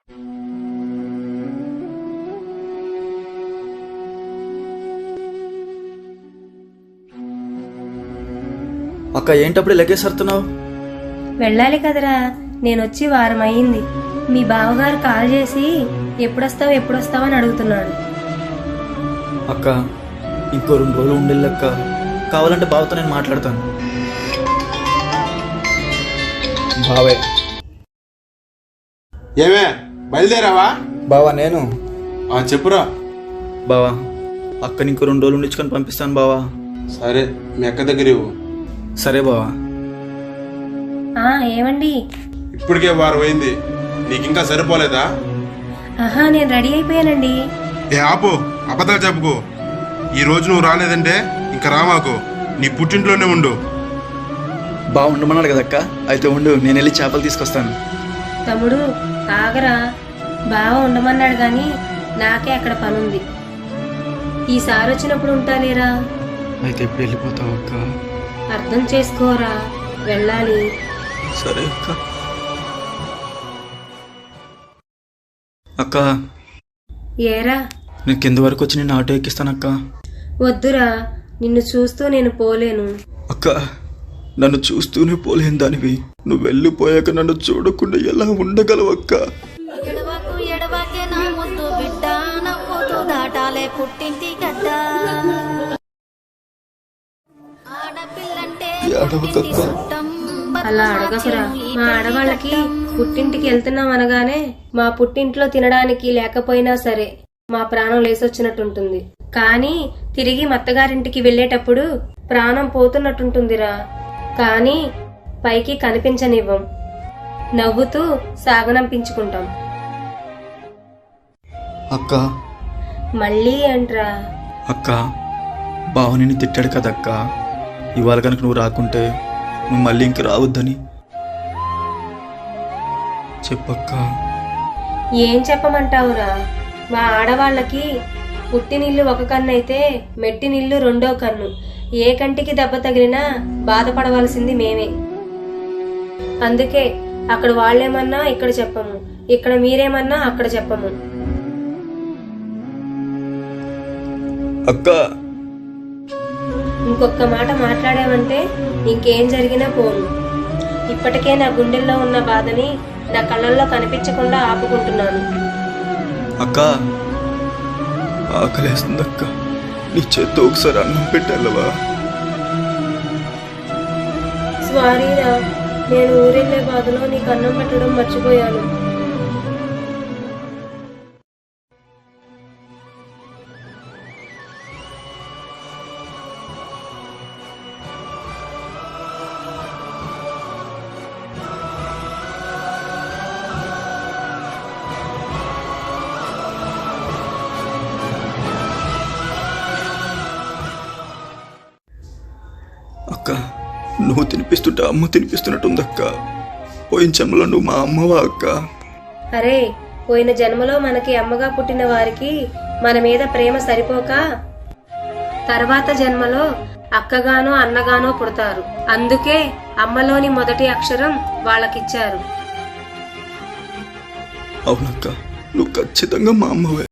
అక్క ఏంటప్పుడు లగేజ్ సర్తున్నావు? వెళ్ళాలి కదరా, నేనొచ్చి వారం అయ్యింది. మీ బావగారు కాల్ చేసి ఎప్పుడొస్తావు అని అడుగుతున్నాడు. అక్క ఇంకో 2 రోజులు ఉండేళ్ళక్క, కావాలంటే బావతో నేను మాట్లాడతాను. బావే ఏమే బయలుదేరావా? బావా నేను చెప్పురా. బావా అక్కని ఇంకో 2 రోజులు ఉండించుకొని పంపిస్తాను బావా. సరే, మీ అక్క దగ్గర ఇవ్వు. సరే బావా. ఏమండి? ఇప్పటికే వారం అయింది, నీకింకా సరిపోలేదా? నేను రెడీ అయిపోయానండి. ఆపు, అబద్ధాలు చెప్పుకో. ఈ రోజు నువ్వు రాలేదంటే ఇంకా రామాకు, నీ పుట్టింట్లోనే ఉండు. బావ ఉండమన్నాడు కదక్క, అయితే ఉండు, నేను వెళ్ళి చేపలు తీసుకొస్తాను. తమ్ముడు ఆగరా, బావ ఉండమన్నాడు గాని నాకే అక్కడ పనుంది. ఈసారి వచ్చినప్పుడు ఉంటాలేరా. అయితే ఇప్పుడు వెళ్ళిపోతావు అక్క? అర్థం చేసుకోరా, వెళ్ళాలి. సరే అక్క. అక్క ఏరా? నేను కింద వరకు వచ్చి నేను ఆటో ఎక్కిస్తానక్క. వద్దురా, నిన్ను చూస్తూ నేను పోలేను. అక్క నన్ను చూస్తూనే పోలేని దానివి, నువ్వు వెళ్ళిపోయాక నన్ను చూడకుండా ఎలా ఉండగలవక్క? ఎడవాకే నా ముద్దు బిడ్డ, నవ్వుతూ దాటాలే పుట్టింటి గడ్డ. అలా అడగకురా. మా ఆడవాళ్ళకి పుట్టింటికి వెళ్తున్నాం అనగానే మా పుట్టింట్లో తినడానికి లేకపోయినా సరే మా ప్రాణం లేసొచ్చినట్టుంటుంది. కానీ తిరిగి మత్తగారింటికి వెళ్లేటప్పుడు ప్రాణం పోతున్నట్టుంటుందిరా. కానీ పైకి కనిపించనివ్వం, నవ్వుతూ సాగనంపించుకుంటాం. అక్క మళ్ళీ అంట్రా. అక్క బావ నిన్ను తిట్టాడు కదక్క, ఇవాళ కనుక నువ్వు రాకుంటే నువ్వు మళ్ళీ ఇంక రావద్దని చెప్పక్క. ఏం చెప్పమంటావురా? మా ఆడవాళ్ళకి పుట్టినిల్లు ఒక కన్ను అయితే మెట్టినిల్లు 2వ కన్ను. ఏ కంటికి దెబ్బ తగిలినా బాధపడవలసింది మేమే. అందుకే అక్కడ వాళ్ళేమన్నా ఇక్కడ చెప్పము, ఇక్కడ మీరేమన్నా అక్కడ చెప్పము. అక్క ఇంకొక మాట మాట్లాడావంటే ఇంకేం జరిగినా పోను. ఇప్పటికే నా గుండెల్లో ఉన్న బాధని నా కళ్ళల్లో కనిపించకుండా ఆపుకుంటున్నాను. అక్క ఆకలేస్తుందక్క, నీ చేత్తో ఒకసారి అన్నం పెట్టాలవా? సారీరా, నేను ఊరెళ్ళే బాధలో నీకు అన్నం పెట్టడం మర్చిపోయాను. అక్క నువ్వు తినిపిస్తుంటే అమ్మ తినిపిస్తున్నట్టుందక్క. పోయిన జన్మలో నువ్వు మా అమ్మవా అక్క? అరే, పోయిన జన్మలో మనకి అమ్మగా పుట్టిన వారికి మన మీద ప్రేమ సరిపోక తర్వాత జన్మలో అక్కగానో అన్నగానో పుడతారు. అందుకే అమ్మలోని మొదటి అక్షరం వాళ్ళకిచ్చారు. అవునక్క, నువ్వు ఖచ్చితంగా మా అమ్మవే.